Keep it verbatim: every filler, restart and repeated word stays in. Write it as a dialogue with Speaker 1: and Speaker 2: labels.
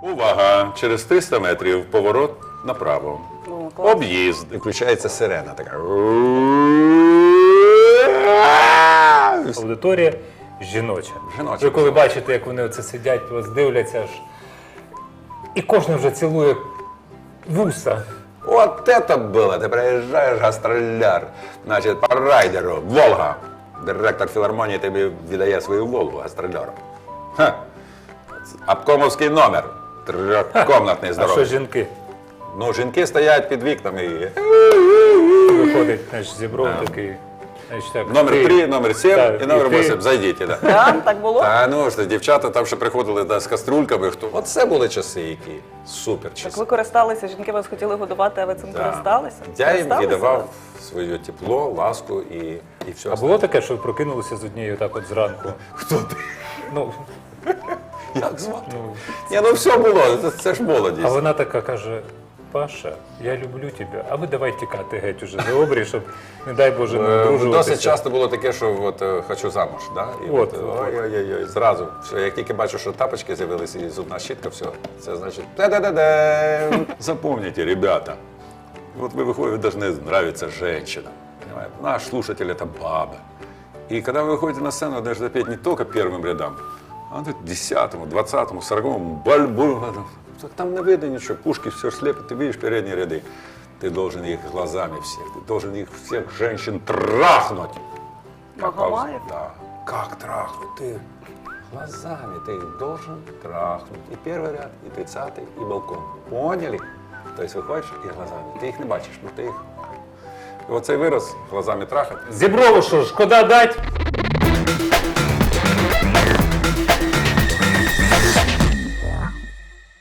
Speaker 1: Увага! Через триста метрів поворот направо.
Speaker 2: Ну, клас.
Speaker 1: Об'їзд.
Speaker 3: І включається сирена така.
Speaker 4: Аудиторія жіноча.
Speaker 3: Жіноча.
Speaker 4: Ви коли бачите, як вони оце сидять, вас дивляться аж. І кожен вже цілує вуса.
Speaker 3: От це було. Ти приїжджаєш гастроляр, значить, по райдеру, Волга. Директор філармонії тобі віддає свою Волгу гастроляру. Ха. Обкомовський номер. Трьохкомнатний
Speaker 4: А що
Speaker 3: здоровий.
Speaker 4: жінки?
Speaker 3: Ну, жінки стоять під вікнами і...
Speaker 4: Виходить, знаєш, зібров такий. Значить, так,
Speaker 3: Номер
Speaker 4: ти-
Speaker 3: три, номер сім
Speaker 4: Так,
Speaker 3: і номер
Speaker 4: і ти-
Speaker 3: вісім. Зайдіть. Да.
Speaker 2: Да? Так було?
Speaker 3: Та ну ж, дівчата там ще приходили да, з каструльками. Хто... От це були часи які. Супер часи.
Speaker 2: Так ви користалися, жінки вас хотіли годувати, а ви цим
Speaker 3: Да.
Speaker 2: користалися?
Speaker 3: Я їм
Speaker 2: Користалися?
Speaker 3: віддавав своє тепло, ласку і, і все.
Speaker 4: А було таке, що ви прокинулися з однією так от зранку?
Speaker 3: Хто ти?
Speaker 4: Ну,
Speaker 3: Як звати?
Speaker 4: ну,
Speaker 3: Ні, ну все було, це, це ж молодість.
Speaker 4: а вона така каже: Паша, я люблю тебе, а ви давай тікати геть уже за обрій, щоб, не дай Боже, не
Speaker 3: Е,
Speaker 4: одружуватися.
Speaker 3: Досить часто було таке, що от, е, хочу замуж. Да? І
Speaker 4: От,
Speaker 3: от,
Speaker 4: от.
Speaker 3: ой-ой-ой, зразу. Все, як тільки бачу, що тапочки з'явилися і зубна щітка, все, це значить да-да-да-да.
Speaker 1: Запомните, ребята, вот вы выходите, вы должны нравиться женщинам. Понимаете? Наш слушатель – это баба. И когда вы выходите на сцену, вы должны петь не только первым рядам, а тут десятому, двадцатому, сороковому, бальбу. Там не видно ничего, пушки все слепят, ты видишь передние ряды. Ты должен их глазами всех, ты должен их всех женщин трахнуть. Как
Speaker 2: Магомаев?
Speaker 1: пауз- Да.
Speaker 3: Как трахнуть? Ты глазами ты их должен трахнуть. И первый ряд, и тридцатый, и балкон. Поняли? То есть выходишь и глазами. Ты их не бачишь, но ты их...
Speaker 1: І оцей вираз глазами трахати.
Speaker 4: Зіброву що, шкода дать?